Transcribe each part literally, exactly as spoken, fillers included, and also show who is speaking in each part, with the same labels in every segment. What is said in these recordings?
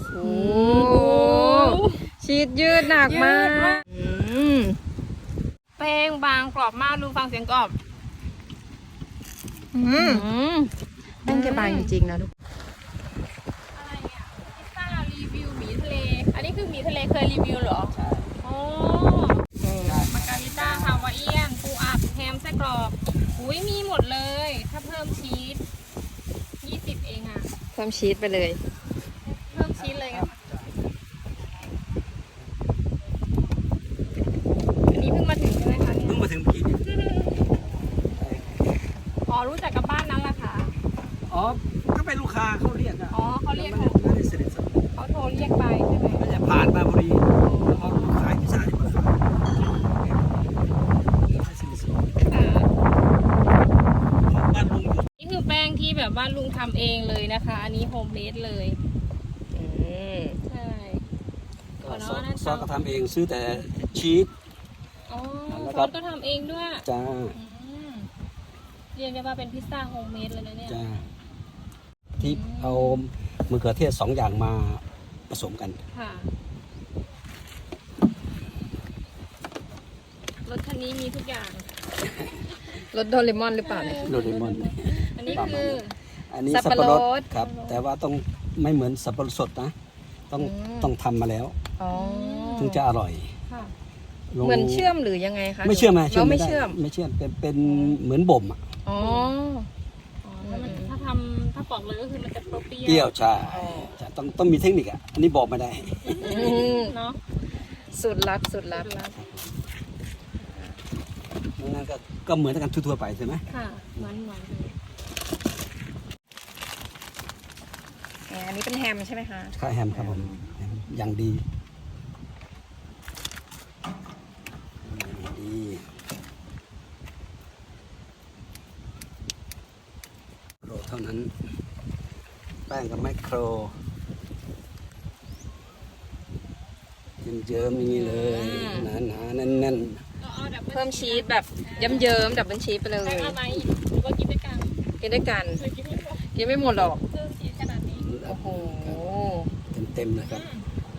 Speaker 1: โอ้ชีสยืดหนักมาก
Speaker 2: แป้งบางกรอบมากดูฟังเสียงกรอบ
Speaker 1: แป้งแกบางจริงๆนะทุก
Speaker 2: อะไรเนี่ยพิซซ่ารีวิวหมีทะเลอันนี้คือหมีทะเลเคยรีวิวเหรอใช่โอ้มาการิต้าฮาวายเอียนปูอัดแฮมไส้กรอกอุ้ยมีหมดเลยถ้าเพิ่มชีสยี่สิบเองอ่ะ
Speaker 1: เพิ่มชีสไปเลย
Speaker 2: เพิ่มชีสเลยค่ะอันนี้เพิ่งมาถึงใช่ไหมคะเนี่ย
Speaker 3: เพิ่งมาถึงเมื่อกี้
Speaker 2: อ๋อรู้จักกับบ้านนั้นแหละค่ะ
Speaker 3: อ๋อก็เป็นลูกค้าเขาเรียกอะ
Speaker 2: อ๋อเขาเรียกเขา
Speaker 3: ไม่ได้เสด็จสัก
Speaker 2: เขาโทรเรียกไปใช่ไหม
Speaker 3: มันจะผ่านมาพอดีเขาขายพิซซ่าที่มาขายบ้านลุงอยู่
Speaker 2: นี่คือแป้งที่แบบว่าลุงทำเองเลยนะคะอันนี้โฮมเมดเลยใช่ก่อนเนาะ
Speaker 3: ซอสก็ทำเองซื้อแต่ชีส
Speaker 2: อ๋อซอสก็ทำเองด้วย
Speaker 3: จ้า
Speaker 2: เรียกได้ว่าเป็นพิซซ่าโฮมเมดเลยนะเนี่ย
Speaker 3: จ้าที่เอามะเขือเทศสองอย่างมาผสมกัน
Speaker 2: ค่ะรถคันนี้มีทุกอย่าง
Speaker 1: รถโดเรมอนหรือเปล่าเนี่ย
Speaker 3: โดเรมอน
Speaker 2: อันนี้คือ
Speaker 3: อันนี้สับปะรดครับแต่ว่าต้องไม่เหมือนสับปะรดสดนะต้องต้องทำมาแล้วถึงจะอร่อย
Speaker 1: เหมือนเชื่อมหรือยังไงคะ
Speaker 3: ไม่เชื่อมไหม
Speaker 1: เราไม่เชื่อม
Speaker 3: ไม่เชื่อมเป็นเป็นเหมือนบ่มอ่ะ
Speaker 1: อ๋อ
Speaker 2: ถ้าทำถ้าปอกเลยก็คือมันจะเปรี้ยว
Speaker 3: เปรี้ยวใช่ต้องต้องมีเทคนิคอ่ะอันนี้บอกไม่ได้
Speaker 2: เนาะ
Speaker 1: สูตรลับสูตรลับ
Speaker 3: นั่นก็ก็เหมือนกันทั่วๆไปใช่ไหม
Speaker 2: ค่ะเหมือนเหมือน
Speaker 1: อันนี้เป็นแฮมใช่ไหมคะ
Speaker 3: ค่ะแฮมครับผมอย่างดีดีโครเท่านั้นแป้งกับไมโครเยิ้มๆอย่างนี้เลยหนาๆแน่น
Speaker 1: ๆเพิ่มชีสแบบเยิ้มๆดับเบิลชีสไปเลย
Speaker 2: แป้งอะไรหรือว่ากินด้วยกัน
Speaker 1: กินด้วยกันกินไม่หมดหรอก
Speaker 2: เพิ่มชีสขนาดนี้
Speaker 1: โอ้โห
Speaker 3: เต็มๆเลยครับ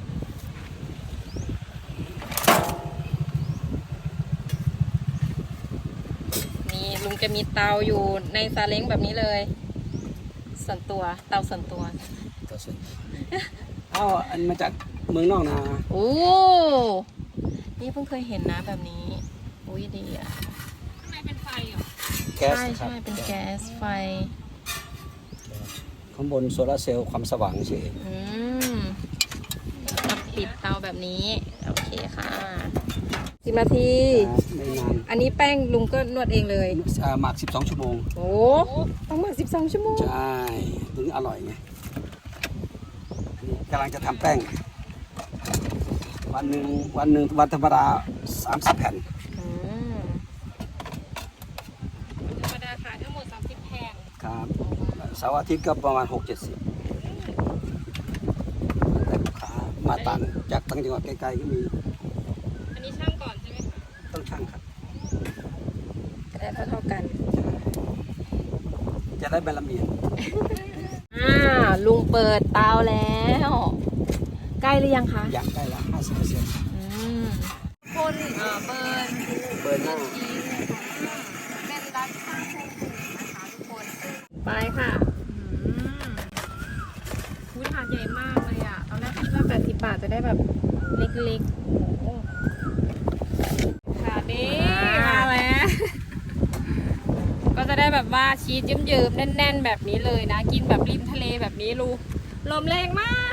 Speaker 1: นี่ลุงจะมีเตาอยู่ในซาเล้งแบบนี้เลยส่วนตัวเตาส่วนตัว
Speaker 3: เตาส่วนเอาอันมาจากเมืองนอกนะ
Speaker 1: โอ้นี่เพิ่งเคยเห็นนะแบบนี้อุ้ยดีอ่ะ
Speaker 2: ข้างในเป็นไฟเหรอ
Speaker 3: แก๊ส
Speaker 1: ใช่ใช่เป็นแก๊สไฟ
Speaker 3: ข้างบนโซลาร์เซลล์ความสว่างเฉย
Speaker 1: อืมปิดเตาแบบนี้โอเคค่ะสิบนาที
Speaker 3: ไม่นาน
Speaker 1: อันนี้แป้งลุงก็นวดเองเลย
Speaker 3: หมักสิบสองชั่วโมง
Speaker 1: โอ้ต้องหมักสิบสองชั่วโมง
Speaker 3: ใช่ถึงอร่อยไงกำลังจะทำแป้งวันหนึ่งวันหนึ่งวันธรรมดาสามสิบแผ่น
Speaker 2: ธรรมดาขายทั้งหมดสามสิบแผ่น
Speaker 3: ครับเสาร์อาทิตย์ก็ประมาณหกเจ็ดสิบแต่ลูกค้ามาต่างจากต่างจังหวัดไกลๆก็มี
Speaker 2: อันนี้ช่างก่อนใช่ไหมคะ
Speaker 3: ต้องช่างครับ
Speaker 1: จะได้เท่ากัน
Speaker 3: จะได้ใบละเมียด
Speaker 1: อ่าลุงเปิดเตาแล้วใกล้หรือยังคะ
Speaker 3: ยังใกล้ละห้าสิบเปอร์เซ็นต์
Speaker 2: คนเอ่อเบิร์น
Speaker 3: เบิร์นหน้า
Speaker 2: เป็นร้านข้างโครงนะคะทุกคน
Speaker 1: ไปค่ะ
Speaker 2: ผู้ถาดใหญ่มากเลยอ่ะตอนแรกคิดว่า
Speaker 1: แปดสิบบาทจะได้แบบเล็กๆโอ้
Speaker 2: ถาดนี้มาแล้วก็จะได้แบบว่าชีสเยิ้มๆแน่นๆแบบนี้เลยนะกินแบบริมทะเลแบบนี้ลูลมแรงมาก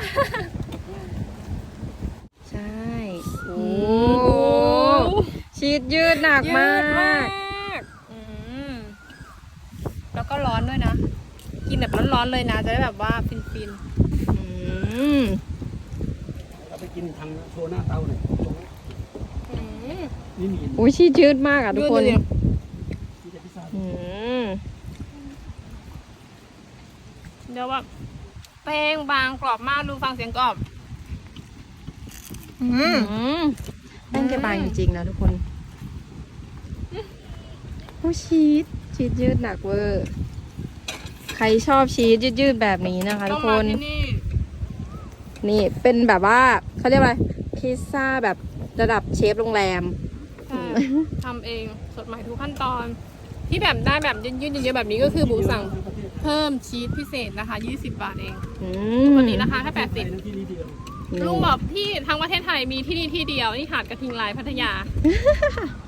Speaker 1: ใช่โอ้ชีสยืดหนักมาก
Speaker 2: แล้วก็ร้อนด้วยนะกินแบบร้อนๆเลยนะจะได้แบบว่าฟิน
Speaker 3: ๆเราไปกินทางโชว์หน้าเตาหน่อยนี่มี
Speaker 1: โอ้ชีสยืดมากอ่ะทุกคน
Speaker 2: เดี๋ยวแบบแป้งบางกรอบมากดูฟังเสียงกรอบ
Speaker 1: แป้งแกบางจริงๆนะทุกคนโอ้ชีสชีสยืดหนักเวอร์ใครชอบชีสยืดๆแบบนี้นะคะทุกคนนี่เป็นแบบว่าเขาเรียกว่าพิซซ่าแบบระดับเชฟโรงแรม
Speaker 2: ใช่ทำเองสดใหม่ทุกขั้นตอน ที่แบบได้แบบยืดๆเยอะๆแบบนี้ก็คือหมูสั่งเพิ่มชีสพิเศษนะคะยี่สิบบาทเอง
Speaker 1: อืม
Speaker 2: วันนี้นะคะแค่แปดสิบลุงบอกที่ทั้งประเทศไทยมีที่นี่ที่เดียวนี่หาดกระทิงลายพัทยา